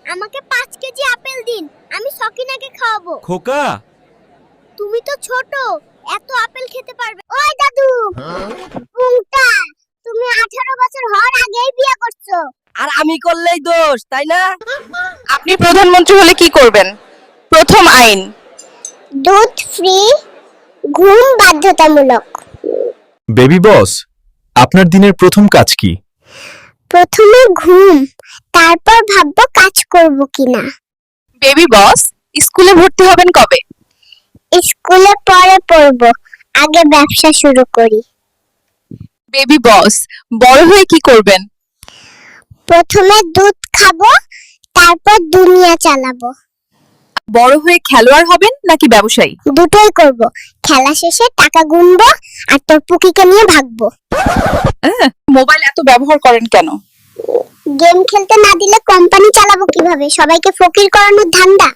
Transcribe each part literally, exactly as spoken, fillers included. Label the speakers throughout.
Speaker 1: আমাকে পাঁচ KG apple দিন, আমি সকিনাকে খাওয়াবো।
Speaker 2: খোকা,
Speaker 1: তুমি তো ছোট, এত আপেল খেতে পারবে? ওই দাদু, পুংটা, তুমি আঠারো বছর হওয়ার আগেই বিয়ে করছো।
Speaker 3: আর আমি করলেই দোষ, তাই না?
Speaker 4: আপনি প্রধানমন্ত্রী হলে কি করবেন? প্রথম আইন।
Speaker 1: দুধ ফ্রি, ঘুম বাধ্যতামূলক।
Speaker 2: বেবি বস, আপনার দিনের প্রথম কাজ কি?
Speaker 1: প্রথমে ঘুম, তারপর ভাববো কাজ করব কিনা।
Speaker 4: বেবি বস, স্কুলে ভর্তি হবেন কবে?
Speaker 1: স্কুলে পরে পড়ব, আগে ব্যবসা শুরু করি।
Speaker 4: বেবি বস, বড় হয়ে কি করবেন?
Speaker 1: প্রথমে দুধ খাবো, তারপর দুনিয়া চালাবো।
Speaker 4: বড় হয়ে খেলোয়াড় হবেন নাকি ব্যবসায়ী?
Speaker 1: দুটোই করব, খেলা শেষে টাকা গুনবো আর তোর পুকিকে নিয়ে ভাগবো।
Speaker 4: হ্যাঁ, মোবাইল এত ব্যবহার করেন কেন?
Speaker 1: গেম খেলতে না দিলে কোম্পানি চালাবো কিভাবে? সবাইকে ফকির করানোর ধান্দা।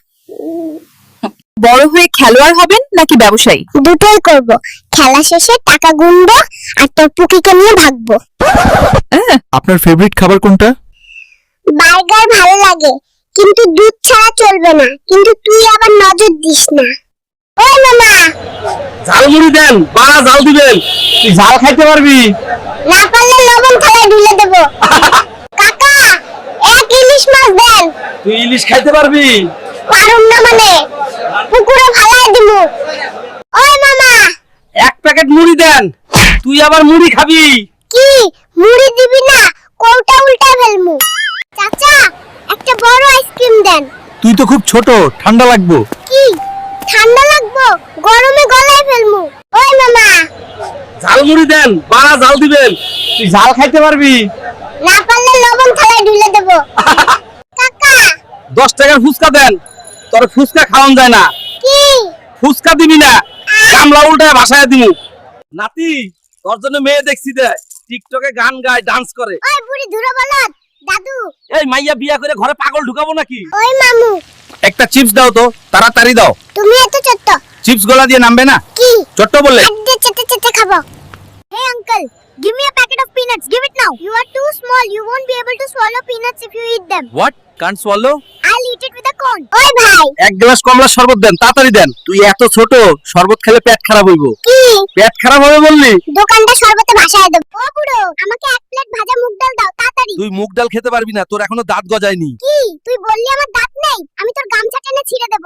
Speaker 4: বড় হয়ে খেলোয়াড় হবেন নাকি ব্যবসায়ী?
Speaker 1: দুটোই করব, খেলা শেষে টাকা গুনবো আর তোর পুকিকে নিয়ে ভাগবো।
Speaker 4: হ্যাঁ,
Speaker 2: আপনার ফেভারিট খাবার কোনটা?
Speaker 1: বার্গার ভালো লাগে, কিন্তু দুধ ছাড়া চলবে না। কিন্তু তুই আবার নজর দিস না। ওই মামা,
Speaker 3: ঝালমুড়ি দেন, বাড়া ঝাল দিবেন। তুই ঝাল খাইতে পারবি?
Speaker 1: না পারলে লবণ থালায় ঢেলে দেবো। কাকা, এক ইলিশ মাছ দেন।
Speaker 3: তুই ইলিশ খাইতে পারবি?
Speaker 1: পারুম না মানে, পুকুরে ফালায় দিমু। ওই মামা,
Speaker 3: এক প্যাকেট মুড়ি দেন। তুই আবার মুড়ি খাবি?
Speaker 1: কি মুড়ি দিবি না? কৌটা উল্টা ফেলমু। চাচা, একটা বড় আইসক্রিম দেন।
Speaker 2: তুই তো খুব ছোট, ঠান্ডা লাগবো।
Speaker 1: কি ঠান্ডা লাগবো? গরমে গলায় ফেলমু। ওই মামা,
Speaker 3: ঝালমুড়ি দেন, বাড়া ঝাল দিবেন। তুই ঝাল খাইতে পারবি?
Speaker 1: না পারলে লবণ থালায় ঢেলে দেবো। কাকা,
Speaker 3: দশ টাকার ফুচকা দেন। তোর ফুচকা খাওয়ান যায় না।
Speaker 1: কি
Speaker 3: ফুচকা দিবি না, গামলা উল্টায় ভাসায় দিমু। নাতি, তোর জন্য মেয়ে দেখছি দে, টিকটকে গান গায়, ডান্স করে।
Speaker 1: ওই বুড়ি ধুরো বলদ, দাদু,
Speaker 3: এই মাইয়া বিয়া করে ঘরে পাগল ঢুকাবো নাকি?
Speaker 1: ওই মামু,
Speaker 2: একটা চিপস দাও তো, তাড়াতাড়ি দাও।
Speaker 1: তুমি এত ছোট্ট।
Speaker 2: চিপস গলা দিয়ে নামবে না।
Speaker 1: কি
Speaker 2: ছোট্ট বললে।
Speaker 1: হাত দিয়ে চেটে চেটে খাবো। Hey uncle, give me a packet of peanuts. Give it now. You are too small. You won't be able to swallow peanuts if you eat them.
Speaker 2: What? Can't swallow?
Speaker 1: I'll eat it with a cone. ওই ভাই,
Speaker 2: এক glass কমলা শরবত দেন, তাড়াতাড়ি দেন। তুই এত ছোট, শরবত খেলে পেট খারাপ হইব।
Speaker 1: কি
Speaker 2: পেট খারাপ হবে বললি?
Speaker 1: দোকানটা শরবতে ভাসায় দেব। ও বুড়ো, আমাকে এক প্লেট ভাজা মুগ ডাল দাও তাড়াতাড়ি।
Speaker 2: তুই মুগ ডাল খেতে পারবি না, তোর এখনো দাঁত গজায়নি।
Speaker 1: কি তুই বললি আমার দাঁত নেই? আমি তোর গামছা টেনে ছিঁড়ে দেব।